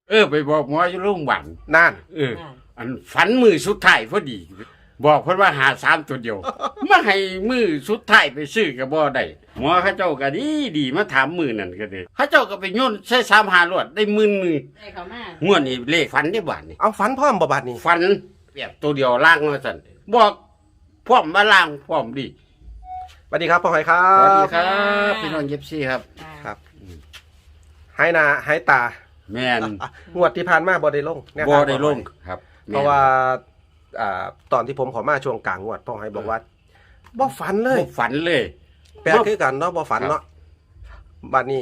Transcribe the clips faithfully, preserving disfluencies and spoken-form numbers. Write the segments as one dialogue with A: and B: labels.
A: เออไปบอกหมออยู่โรงพยาบาล
B: นั่น
A: เออ อันฝันมือสุดท้ายพอดี บอกเพิ่นว่าหาสามตัวเดียว มาให้มือสุดท้ายไปซื้อก็บ่ได้หมอเขาเจ้าก็ดีดีมาถามมือนั่นก็ได้เขาเจ้าก็ไปโยนใช้สามหารวดได้หมื่นหนึง
C: ได้เขามาง
A: วดนี้เลขฝันได้บาดนี่
B: เอาฝันพร้อมบ่บัดนี้
A: ฝันแบบตัวเดียวล่างว่าซั่นบอกพร้อมมาล่างพร้อมดี
B: สวัสดีครับพ่อหอยครั
A: สวัสดี
B: บ
A: ครับพี่น้องเย็บซี่ครับ
B: ครับหายหน้าหายตา
A: แม่น
B: อ่ะงวดที่ผ่านมาบ่ได้ลงแนว
A: บ่
B: ทาง
A: ได้
B: พ่อห
A: ล
B: อย
A: งครับ
B: เพราะว่าอ่าตอนที่ผมขอมาช่วงกลางงวดพ่อหอยบอกว่าบ่ฝันเลย
A: บ่ฝันเลย
B: แปลกคือกันเนาะบ่ฝันเนาะบัดนี้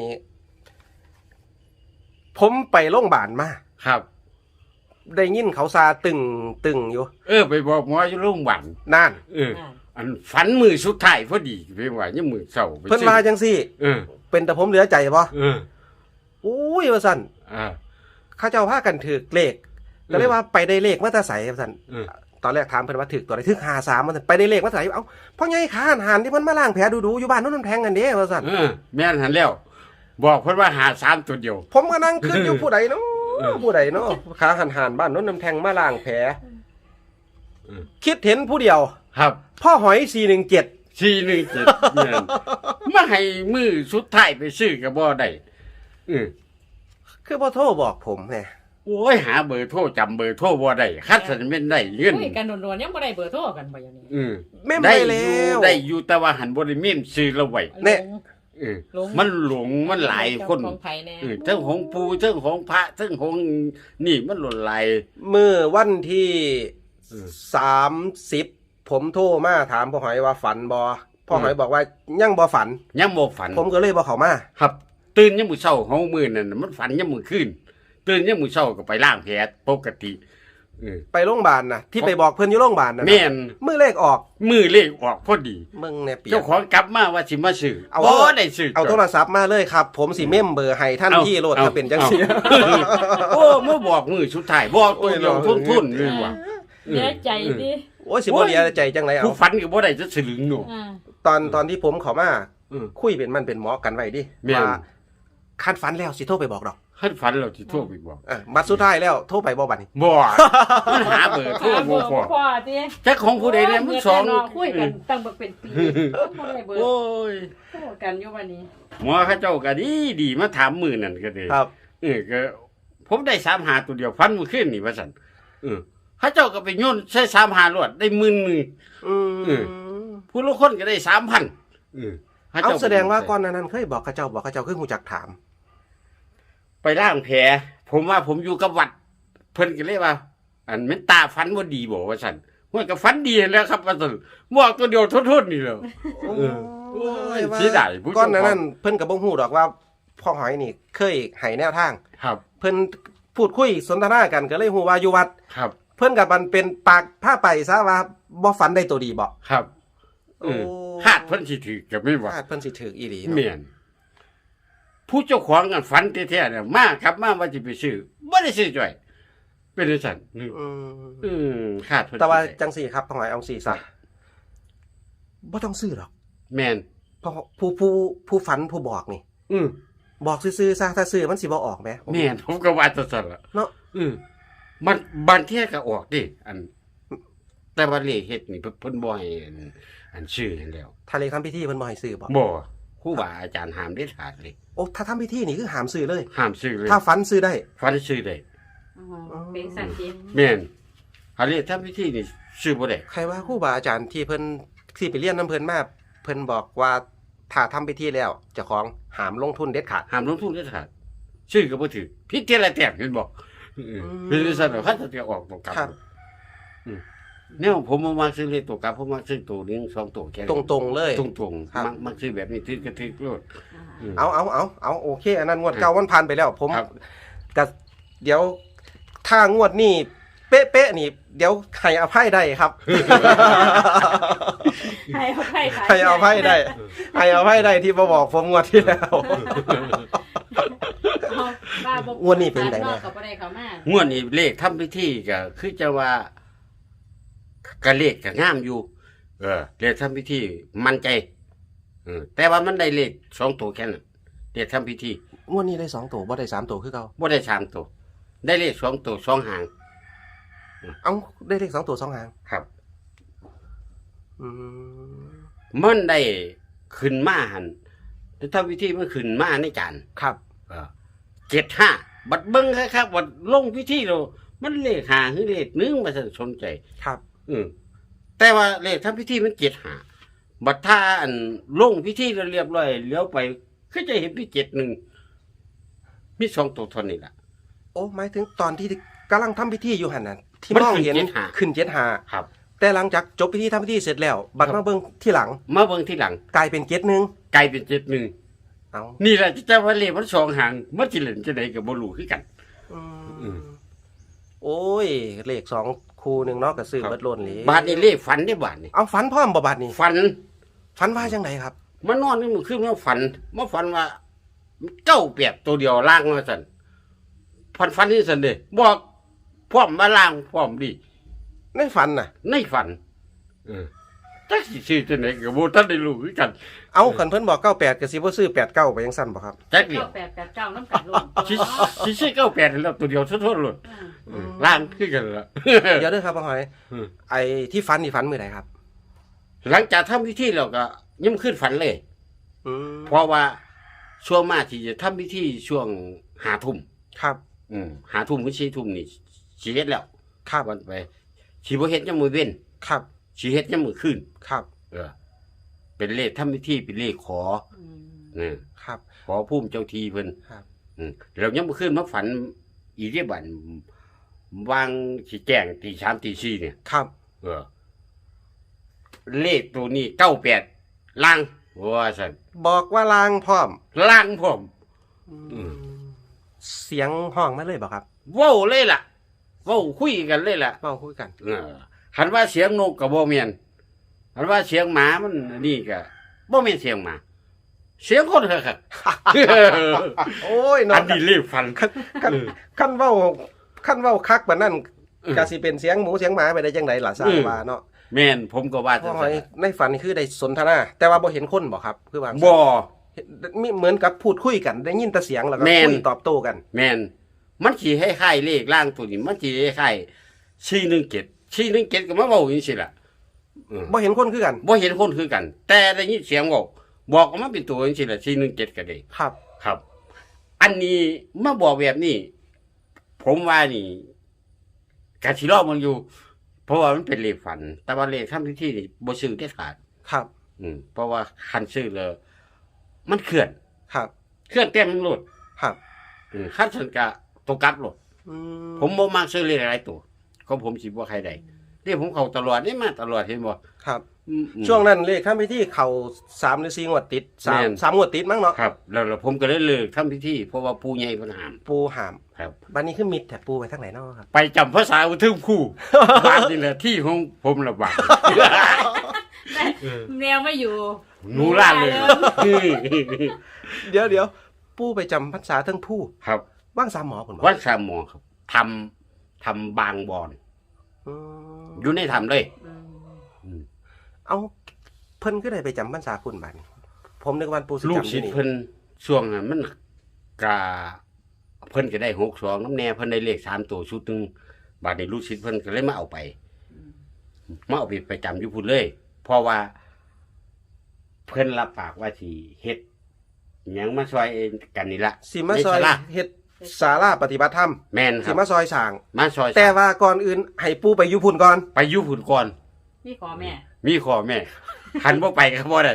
B: ผมไปโรงพยาบาลมา
A: ครับ
B: ได้ยินเขาซาตึงตึงอยู่
A: เออไปบอกหมออยู่โรงพยาบาล
B: นั่น
A: เออ อันฝันมือสุดท้ายพอดีไปว่ายังมือเศร้าไป
B: เพิ่น
A: ซื้อ
B: ว่าจังซี่
A: เออ
B: เป็นแต่ผมเหลือใจบ่
A: เออ
B: อุ้ยว่าซั่น
A: อ่า
B: เขาเจ้าพากันถือเลขก็เลยว่าไปได้เลขมาแต่ไสว่าซั่น
A: เออ
B: ตอนแรกถามเพิ่นว่าถือตัวใดถือห้าสามว่าซั่นไปได้เลขมาแต่ไสเอ้าพ่อใหญ่ขาหันหันที่เพิ่นมาล้างแผลดูๆอยู่บ้านโนู้นน้ำแทงกันเด้ว่าซั่น
A: เออแม่นหันแล้ว บอกเพิ่นว่าหาสามตัวเดียว
B: ผมก็นั่งคิดอยู่ผู้ใดเนาะ
A: เออ
B: ผู้ใดเนาะขาหันหันบ้านโนู้นน้ำแทงมาล้างแผล
A: เออ
B: คิดเห็นผู้เดียว
A: ครับ
B: พ่อหอยสี่หนึ่งเจ็ด
A: สี่หนึ่งเจ็ดแม่นมาให้มือสุดท้ายไปซื้อก็บ่ได้เออ
B: คือพ่อโทรบอกผมไง
A: โอ้ยหาเบอร์โทรจำเบอร์โทรบ่ได้คัดสันเป็นได้เงิน
C: คุยกันโดนๆยังบ่ได้เบอร์โทรกันบ่อย่างนี้
A: เออ
B: แม่น
A: ได้
B: ไป
A: อ
B: แล้
A: ยู่
B: ว
A: ได้อยู่แต่ว่าหันบ่ได้เมียมซื้อเราไว้
B: เนี่ย
A: เออ
C: หลง
A: มันหลงมันหลายคน
C: ของไผแน่
A: เออทั้งของปูทั้งของพระทั้งของนี่มันหล่นหลาย
B: เมื่อวันที่
A: เออ
B: สามสิบผมโทรมาถามพ่อหอยว่าฝันบอพ่อหอยบอกว่ายังบอฝัน
A: ยังบ่ฝัน
B: ผมก็เลยบอเขามา
A: ครับ ตื่นยามมื้อเช้าเฮามื้อนั่นน่ะมันฝันยามมื้อคืนตื่นยามมื้อเช้าก็ไปล้างแผลปกติเออ
B: ไปโรงพยาบาลนะที่ไปบอกเพื่อนอยู่โรงพยาบาลนะ
A: แม่น
B: มือเลขออก
A: มือเลขออกพอดี
B: มึงเนี่ยเปีย
A: เจ้าก ของกลับมาว่าสิมาซื้อ
B: เอา
A: บ่ได้ซื้อ
B: เอาโทรศัพท์มาเลยครับ ผมสิเมมเบอร์ให้ท่าน
A: เอา
B: ที่โหลด
A: เอา
B: ถ้าเป็นจังสี
A: โอ้มาบอกมือสุดท้ายบอกตัวเดียว
B: โอ้ย
A: ทุ่นๆเลยว่ะ
C: เสียใจดิ
B: โอ้ยสิบ่เลียใจจังไรเอา
A: ผู้ฝันก็บ่ได้จะสลึงหนู
C: อ่า
B: ตอนตอนที่ผมเขามา
A: เออ
B: คุยเป็นมันเป็นหมอกันไว้ดิ
A: แม่น
B: ว่าคันฝันแล้วสิโทรไปบอกดอก
A: คันฝันเราสิโทรไปบอก
B: อ่ะบัดสุดท้ายแล้วโทรไปบอกบัดนี้
A: บ่มันหาเบอร์โทรบ่พอ
C: พ่อติ
A: จักของผู้ใดเนี่ยมันสอง
C: เนาะคุยกันตั้งบ่เป็นปีบ่ได้เบอร์
A: โอ้ย
C: โทรกันอยู่วันนี้
A: หมอเขาเจ้าก็ดีดีมาถามมือนั่นก็ได้
B: ครับ
A: เออก็ผมได้สามหาตัวเดียวฟันมือขึ้นนี่ว่าซั่นเออเขาเจ้าก็ไปโยนใช้สามหารวดได้หมื่นหนึง
B: อื
A: เอ
B: ม
A: ผู้ละคนก็ได้สามพันเออข
B: เอา
A: จ้
B: แสดงว่าก่อนหนานั้นเคยบอกข้าเจ้าบอกข้าเจ้าคือหูจักถาม
A: ไปล่างแผลผมว่าผมอยู่กับวัด เพิ่นก็เลยว่า อันเม็นตาฟันบ่ดีบ่ว่าซั่นมันก็ฟันดีแล้วครับว่าซั่นบอกตัวเดียวทุนๆนี่แหล้ว เออโอ้ยเสียดายผู้เจ้าของ
B: ก้อนหนานั้นเพิ่นกับบ่ฮู้ดอกว่าพ่อหอยนี่เคยให้แนวทาง
A: ครับ
B: เพิ่นพูดคุยสนทนากันก็เลยฮู้ว่าอยู่วัด
A: ครับ
B: เพิ่นกับมันเป็นปากผ้าไปซะว่าบ่ฝันได้ตัวดีบ่
A: ครับเออ
B: โอ้
A: คาดเพิ่นสิถือก็ไม่ว่า
B: คาดเพิ่นสิถืออีหลี
A: เมียนผู้เจ้าของกันฝันแท้ๆเนี่ยมาครับมาว่าสิไปซื้อบ่ได้ซื้อจ้อยเป็นจังซั่นอืม
B: อืม
A: อืมคาดเพิ่น
B: แต่ว่า
A: สิได้
B: จังสี่ครับพ่อหอยเอาสี่ซะบ่ต้องซื้อหรอก
A: แม่น
B: เพราะผู้ผู้ผู้ฝันผู้บอกนี่
A: อืม
B: บอกซื่อๆซะถ้าซื้อมันสิบ่ออกแหม
A: แม่นผมก็ว่าจังซั่นล่ะ
B: เนาะ
A: อืมมันบางเที่ยก็ออกดิอัน แต่ว่าเลขเฮ็ดนี่เพิ่นเพิ่นบ่ให้อันอันชื่อให้แล้ว
B: ถ้าเลขทำพิธีเพิ่นบ่ให้ซื้อบ่
A: บ่ครูบาอาจารย์ห้ามเด็ดขาดเลย
B: โอ้ถ้าทำพิธีนี่คือห้ามซื้อเลย
A: ห้ามซื้อเลย
B: ถ้าฝันซื้อได้
A: ฟันซื้อได้
C: อ๋อเป็นสันติ
A: แม่นหาเลขทำพิธีนี่ซื้อบ่ได้
B: ใครว่าครูบาอาจารย์ที่เพิ่นที่ไปเรียนน้ำเพิ่นมาเพิ่นบอกว่าถ้าทำพิธีแล้วเจ้าของห้ามลงทุนเด็ดขาด
A: ห้ามลงทุนเด็ดขาดซื้อก็บ่ถือพิษเทยละแต้มเห็นบ่เออเป็นจังซั่นเขาจะออกตัวกลับ
B: ครับ
A: อืมแนวผมบ่มักซื้อเลขตัวกลับผมมักซื้อตัวหนึงสองตัวแค่นั้น
B: ตรงๆเลย
A: ตรง
B: ครับ
A: ๆมักมักซื้อแบบนี้ถือกระทึกโลด อืม
B: เอาเอาเอาเอาโอเค อันนั้นงวดเก่ามันผ่านไปแล้ว ผม
A: ครับ
B: ก็เดี๋ยวถ้างวดนี้เป๊ะๆนี่ เดี๋ยวให้อภัยได้ครับ
C: ให้เอาไพ่ขาย
B: ให้อภัยได้ให้อภัยได้ที่มาบอกผมงวดที่แล้ว
C: เอาบ้าบ่
B: งวดนี้เป็นไงแน่
C: ก็บ่ได้เข้ามาง
A: วดนี้เลขทำพิธีก็คือจะว่าก็เลขก็งามอยู่ เออเลขทำพิธีมั่นใจเออแต่ว่ามันได้เลขสองตัวแค่นั้นเลขทำพิธี
B: งวดนี้ได้สองตัวบ่ได้สามตัวคือเก่า
A: บ่ได้สามตัวได้เลขสองตัวสองหาง
B: เอาได้เลขสองตัวสองหาง
A: ครับ
B: อืม
A: มันได้ขึ้นมาหันแต่ถ้าวิธีมันขึ้นมาในจาน
B: ครับ
A: เจ็ดห้าบัดเบิ้งครับบัดลงพิธีเรามันเลขหาหรือเลขหนึ่งมาสนใจ
B: ครับ
A: อืมแต่ว่าเลขทำพิธีมันเจ็ดหาบัดถ้าอันลงพิธีเราเรียบร้อยเลี้ยวไปก็จะเห็นพี่เจ็ดหนึ่งมีสองตัวเทนนี่แหละ
B: โอ้หมายถึงตอนที่กำลังทำพิธีอยู่หันน่ะที่
A: มัน
B: มอง
A: ขึ้น
B: เห็น
A: เจ็ดห้า
B: ขึ้นเจ็ดหา
A: ครับ
B: แต่หลังจากจบพิธีทำพิธีเสร็จแล้ว บัด
A: ครั
B: มา
A: บ
B: เบิ่งที่หลัง
A: มาเบิ้งที่หลัง
B: กลายเป็นเจ็ดหนึ่ง
A: กลายเป็นเจ็ดหนึ่ง
B: เอา
A: นี่แหละจะว่าเลขมันสองหางมันจิเล่นจะไหนกับบลูคือกัน
B: อืม
A: อืม
B: โอ้ยเลขสองคูหนึ่งเนาะก็ซื้อ
A: ครับ
B: เบิดโลนเลย
A: บาทนี่เลขฝันได้บาทนี่
B: เอาฝันพร้อมบ่บาดนี้
A: ฝัน
B: ฝันว่าจังไดครับ
A: มานอนนี่มันขึ้นมาฝันมาฝันว่าเก้าเปียกตัวเดียวล่างมาสันฝันฝันนี่สันเดบอกพร้อมมาล่างพร้อมดี
B: ในฝันน่ะ
A: ในฝันเออจักสิชื่อจะไหนกับโบท่านได้รู้คือกัน
B: เอาคันเพิ่นบอกเก้าแปดก็สิบ่ซื้อแปดเก้าไปยังสั้นบ่ครับ
A: จักเดีย
C: เก้าว แปดแปดเก้าน้ำกัดลง
A: สิสิชื่อเก้าแปดแล้วตัวเดียวทั่วๆเลย
C: อ่า
A: เออล่างคือกันละ
B: เดี๋ยวเด้อครับพ่อหอย
A: อืม
B: ไอ้ที่ฝันนี่ฝันมื้อใดครับ
A: หลังจากทำพิธีเราก็ยิ่งขึ้นฝันเลย
B: อืม
A: เพราะว่าช่วงมาที่จะทำพิธีช่วงหาทุ่ม
B: ครับ
A: อืมหาทุ่มถึงสี่ทุ่มนี่ชีเฮ็ดแล้ว
B: ครับ
A: วันไปชีบ่เฮ็ดยังมือเว้น
B: ครับ
A: ชีเฮ็ดยังมือขึ้น
B: ครับ
A: เออ เป็นเลขทำพิธีเป็นเลขขอ
C: อืม
A: เออ
B: ครับ
A: ขอภูมิเจ้าทีเพิ่น
B: ครับ
A: อืมเรายังมือขึ้นมาฝัน อีเรียบันวางสิแจ้งตีสามตีสี่เนี่ย
B: ครับ
A: เออ เลขตัวนี้เก้าแปดล่างว่าสัน
B: บอกว่าลางพร้อม
A: ล่างผม
B: อืมเสียงห้องมาเลยบ่ครับ
A: เว้าเลยล่ะเว้าคุยกันเลยล่ะ
B: เว้าคุยกัน
A: เออหันว่าเสียงนกกับบ่แม่นหันว่าเสียงหมามันนี่ก็บ่แม่นเสียงหมา เสียงคนค่ะ
B: โอ้ย
A: อั
B: เนาะ
A: นนี้เรียกฟัน
B: คันคันคันเว้าคันเว้าคักแบบนั้น
A: เออ
B: ก็สิเป็นเสียงหมูเสียงหมาไปได้จังไดล่ะทราบ
A: อืม
B: ว่าเนาะ
A: แม่นผมก็ว่า
B: พ่
A: จั
B: อง ห
A: ซั่
B: อย
A: น
B: ในฝันนี่คือได้สนทนา แต่ว่าบ่เห็นคนบ่ครับ คือว่า
A: บ่
B: เห็นมีเหมือนกับพูดคุยกันได้ยินแต่เสียงแล้วก็
A: แม่น
B: คุยตอบโต้กัน
A: แม่นมันสิให้คล้ายๆเลขล่างตัวนี้มันสิให้คล้ายสี่หนึ่งเจ็ด สี่หนึ่งเจ็ดก็มาเว้าจังซี่ล่ะเออ
B: บ่เห็นคนคือกัน
A: บ่เห็นคนคือกัน แต่ได้ยินเสียงเว้าบอกออกมาเป็นตัวจังซี่ล่ะสี่หนึ่งเจ็ดก็ได้
B: ครับ
A: ครับ อันนี้มาบอกแบบนี้ ผมว่านี่กะสิรอมันอยู่ เพราะว่ามันเป็นเลขฝัน แต่ว่าเลขทำพิธีนี่บ่ซื้อได้ขาด
B: ครับ
A: อืมเพราะว่าคันซื้อเลยมันเคลื่อน
B: ครับ
A: เคลื่อนเต็มมันโลด
B: ครับ
A: อืมคันสันกะตกกลับโลด
B: อื
A: ผมบ่มักซื้อเลขหลายตัวของผมสิบ่ใครใดนี่ผมเข้าตลอดนี่มาตลอดเห็นบ่
B: ครับ
A: อืมอืม
B: ช่วงนั้นเลขทำพิธีเข้าสามหรือสี่งวดติดสาม
A: แม่น
B: สามงวดติดมั้งเนาะ
A: ครับ แล้วแล้วผมก็เลยเลิกทำพิธีเพราะว่าปู่ใหญ่เพิ่นห้าม
B: ปูหาม
A: ครับ
B: บัดนี้คือมิดแต่ปูไปทางไหนเนาะครับ
A: ไปจำภาษาอุทึมคู่ บ้านนี่แหละที่ของผมระบาด
C: แนวไม่อยู่
A: หนูล่าเลย
B: เดี๋ยวเดี๋ยวปูไปจำพรรษาทั้งผู้
A: ครับ
B: ว่างสามหมอผลบอก
A: วัดสามหมอครับทำทำบางบอน
B: อืม
A: อยู่ในทำเลย
C: อืม
A: อืม
B: เอาเพิ่นก็ได้ไปจำพรรษาคุณบัดนี้ผมนึกว่าปูสิ
A: ลูก
B: จำอ
A: ศิ
B: ยู่
A: ษย์
B: นี่
A: เพิ่นช่วงนั้นมันกาเพิ่นก็ได้หกสองน้ำแน่เพิ่นได้เลขสามตัวชุดหนึ่งบาดนี้ลูกศิษย์เพิ่นก็เลยมาเอาไปมาเอาไปไปจำอยู่พุ่นเลย เพราะว่า เพิ่นรับปากว่าสิเฮ็ดหยังมาซอยกันนี่ละ
B: สิมาซอย
A: ในศาลา
B: เฮ็ดศาลาปฏิบัติธรรม
A: แม่นค
B: สิ
A: รับ
B: มาซอยสร้าง
A: มาซอย
B: แต่ว่าก่อนอื่นให้ปูไปอยู่พุ่นก่อน
A: ไปอยู่พุ่นก่อน
C: นี่ขอแม่
A: มีขอแม่ หันบ่ไปก็บ่ได้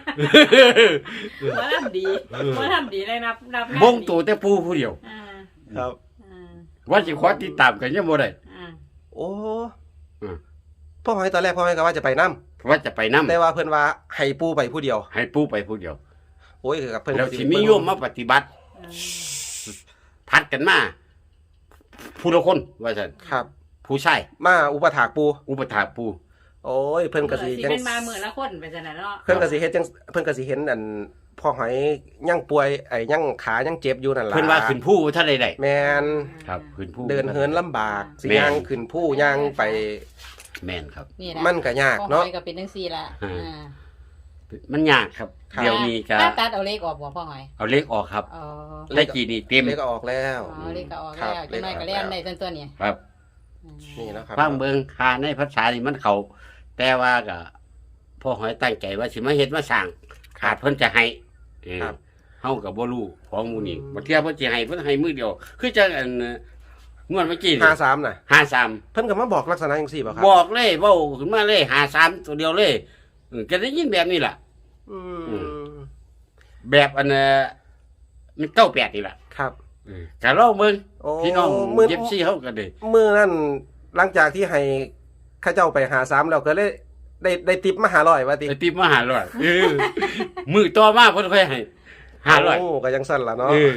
C: ว่าทำดีว่าทำดีเลยนับนับ
A: บงตัวแต่ปูผู้เดียว
C: อ่า
B: ครับ
C: อ่า
A: ว่าสิขอติดตามกันยังบ่ได้
C: อ่า
B: โอ้
A: อืม
B: พ่อหอยตอนแรกพ่อหอยก็ว่าจะไปนํ
A: ว่าจะไปนำ
B: แต่ว่าเพิ่นว่าให้ปูไปผู้เดียว
A: ให้ปูไปผู้เดียว
B: โอ้ยกับเพิ่น
A: แล้ว
B: ก็
A: สิมีโยมมาปฏิบัติ
C: อ่า
A: พัดกันมาผู้ละคนว่าซั่น
B: ครับ
A: ผู้ชาย
B: มาอุปถากปู
A: อุปถากปู
B: โอ้ยเพิ่นก็สิ
C: สิ
B: จัง
C: เป็นมาหมื่นละคนไปจังนั้นเนาะ
B: เพิ่นก็สิเฮ็ดจังเพิ่นก็สิเห็นอันพ่อหอยยังป่วยไอ้ยังขายังเจ็บอยู่นั่นล่ะ
A: เพิ่นว่าขึ้นผู้ท่านใดได้
B: แม่น
A: ครับขึ้นผู้
B: เดินเหินลำบากสิ
A: แม่น
B: ย่างขึ้นผู้ย่างไป
A: แม่นครับ
C: นี่แหละ
B: มันก็ยากเนาะ
C: ของหอยก็เป็นจังซี่ล่ะ
A: อืม
C: อ่า
A: มันยากครับ
B: ครับ
A: เดี๋ยวนี้ก็
C: ถ้าตัดเอาเลขออกบ่พ่อหอย
A: เอาเลขออกครับ
C: อ๋อ
A: เลขกี่นี่เต็ม
B: เลขก็ออกแล้ว
C: อ๋อเลขก็ออก
B: ครั
C: แล้
B: บ
C: วจังได๋ก็เรียนได้ต้นตัวนี้
A: ครับ
C: อืม
B: นี่นะครับ
A: ฟังเบิ่งคาในภาษานี่มันเขาแต่ว่าก็พ่อหอยตั้งใจว่าสิมาเฮ็ดมาสร้างขาดเพิ่นจะให้เออ
B: ครับ
A: เฮาก็บ่รู้ของหมู่นี้บ่เที่ยเพิ่นสิให้เพิ่นให้มือเดียว คือจังอันเอ่องวดเมื่อกี้นี่
B: ห้าสามน่ะ
A: ห้าสาม
B: เพิ่นก็มาบอกลักษณะจังซี่บ่ครับ
A: บอกเลยเว้าขึ้นมาเลยห้าสามตัวเดียวเลยเออก็ได้ยินแบบนี้ล่ะ
B: อืม
A: แบบอันเอ่อมันเก้าแปดนี่ล่ะ
B: ครับ
A: เออก็ลองเบิ่ง
B: โอ้
A: พี่น้อง
B: มื้อ
A: เย็บซี่เฮาก็ได้
B: มื้อนั้นหลังจากที่ให้ข้าเจ้าไปหาสามแล้วก็เลยได้ได้ติปมาหาร้อยว่าติ
A: ไอ้ติบมาหาร้อยเออมือต่อมาเพิ่นค่อยให้ห้าร้อย
B: โอ้ก็ยังสั่นล่ะเนาะ
A: เออ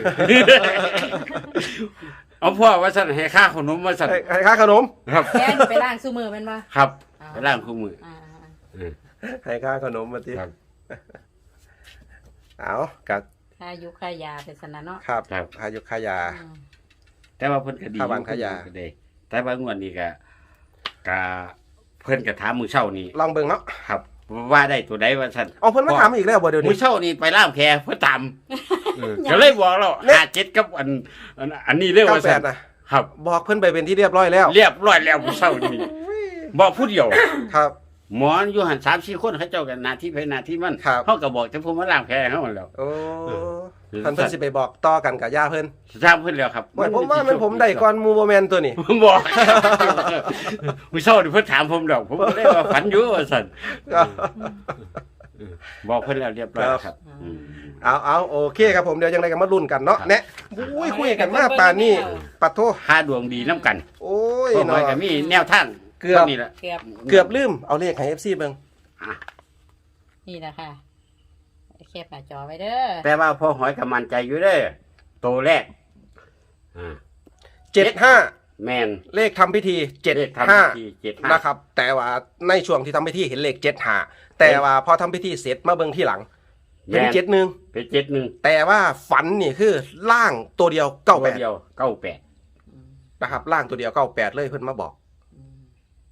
A: เอาพ่อว่าสั่นให้ค่าขนมว่าสั่น
B: ให้ให้ค่าขนม
A: ครับ
C: แกนไปล้างซุมือแม่นบ่
A: ครับ
C: อ๋อ
A: ไปล้างคู่มือ
C: อ่า
A: เออ
B: ให้ค่าขนมมาติ
A: ครับ
B: เอากับ
C: ๆค่ายุค่ายาเป็นสนะเนาะ
B: ครับ
A: ครับ
B: ค่ายุค่ายา
C: อืม
A: แต่ว่าเพิ่นก็ดี
B: ค่าบ้านค่ายา
A: ก็ได้แต่ว่างวดนี้ก็ก็เพิ่นก็ถามมื้อเช้านี้
B: ลองเบิ่งเนาะ
A: ครับ ว่าได้ตัวใดว่าซั่น
B: เอาเพิ่นมาถามอีกแล้วบ่เดี๋ยว
A: มื้
B: นี้
A: อเช้านี้ไปล่ามแพเพิ่นตามเออก็เลยบอกเราห้าเจ็ดกับอันอันอันนี้เด้อ
B: เก้า
A: ว่า
B: แป
A: ซั่
B: ด
A: น
B: นะครับ บอกเพิ่นไปเป็นที่เรียบร้อยแล้ว
A: เรียบร้อยแล้วมื้อเช้านี้บอกผู้เดียว
B: ครับ
A: หมออยู่หันสามสี่คนเขาเจ้ากันหนาที่ไปหนาที่มัน
B: ครับ
A: เขาก็บอกแต่ผมมาล้างแผลเขาหมดแล้ว
B: โอ้
A: เออ
B: ท่านเพิ่นสิไปบอกต่อกันกับย่าเพิ่น
A: ทราบเพิ่นแล้วครับ
B: ว่าผมว่ามันผมได้ก่อนหมู่บ่แม่นตัวนี้
A: ผมบอก มื้อเช้านี่เพิ่นถามผมดอกผมก็เลยว่าฝันอยู่ว่าซั่นบอกเพิ่นแล้วเรียบร้อยครับอืม
B: เอาเอาโอเคครับผมเดี๋ยวยังไงกันมาลุ้นกันเนาะแนะอุ้ยคุยกันมาป่านนี้ปัดโท
A: ค่าดวงดีน้ำกัน
B: โอ้ย
A: เพราะ
B: เนาะ
A: ว่าก็มีแนวทาง
B: เกือบ
A: ท่านี่แหละ
C: เกือบ
B: เกือบลืมเอาเลขให้ เอฟ ซี เบิ่ง
A: อ่ะ
C: นี่แหละค่ะแคปหน้าจอไว้เด้อ
A: แต่ว่าพอหอยก็มั่นใจอยู่เด้อโตแรกอ่า
B: เจ็ดห้า
A: แม่น
B: เลขทำพิธีเจ็ด
A: เลขทำ
B: ห้า
A: พิธีเจ็ดห้า
B: นะครับ แต่ว่าในช่วงที่ทำพิธีเห็นเลขเจ็ดห้าแต่ว่าพอทำพิธีเสร็จมาเบิ่งที่หลังเห็น
A: แม่น
B: เจ็ดหนึ่ง
A: เป็นเจ็ดหนึ่ง
B: แต่ว่าฝันนี่คือล่างตัวเดียวเก้าแปด
A: เดียวเก้าแปด
C: อืม
B: นะครับล่างตัวเดียวเก้าแปดเลยเพิ่นมาบอก
C: อืม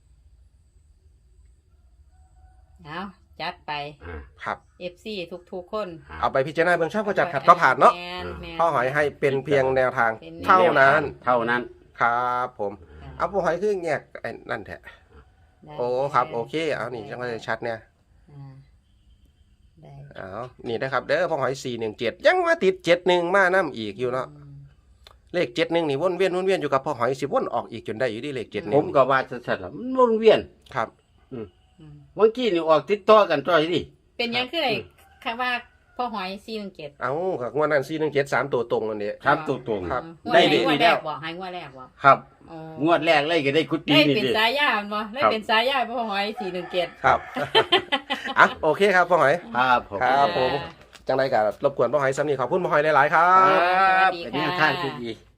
C: เอาจัดไป
A: อ่า
B: ครับ
C: เอฟ ซี ทุกๆคน
B: เอาไปพิจารณาเบื้องชอบก็จัดขัดก็ผ่านเนาะ
C: แม่แม่
B: พ่อหอยให้เป็นเพียงแนวทาง
C: เป็น
B: เท่านั้น
A: เท่านั้น
B: ครับผมเอาพ่อหอยคือแงกไอ้นั่นแท้
C: ได้
B: โอ้ครับโอเคเอานี่จังเลยชัดเนี่ย
C: อ่าได้
B: เอานี่นะครับเด้อพ่อหอยสี่หนึ่งเจ็ดยังมาติดเจ็ดหนึ่งมาน้ำอีกอยู่เนาะ
C: อืม
B: เลขเจ็ดหนึ่งนี่วนเวียนวนเวียนอยู่กับพ่อหอยสิวนออกอีกจนได้อยู่ที่เลขเจ็ดห
A: ผ
B: นึ่ง
A: มก็ว่าสัตว์มันวนเวียน
B: ครับ
C: อืม
A: เมื่อกี้นี่ออกติดต่อกันจ้อยดิ
C: เป็นยังคือไอ้คำว่าพ่อหอยซีหนึ่งเจ็ด
B: เอากับงวดนั้นสี่หนึ่งเจ็ดสามตัวตรงกันเนี่ย
A: ครับตัวตรง
B: ครับ
C: งวด
A: ได้
C: ไหน
A: ดี
C: งวดแร
A: แล้ว
C: กบอกให้งวดแรกบอก
A: ครับ
C: อ๋อง
A: วดแรกเลยก็ได้กุฏิ
C: ได้
A: นี่
C: เป็น
A: ดิ
C: สายยาบ่ได้
A: ครับ
C: เป็นสายยาพ่อหอยสี่หนึ่งเจ็ด
B: ครับ อ่ะโอเคครับพ่อหอย
A: ครับผม
B: ครับผม จังไรกับรบกวนพ่อหอยซ้ำนี่ขอบคุณพ่อหอยหลายๆครั
A: ครับ บ
C: สวัสดี
A: เป็น
C: ค่ะ
A: แนวทางที่ดี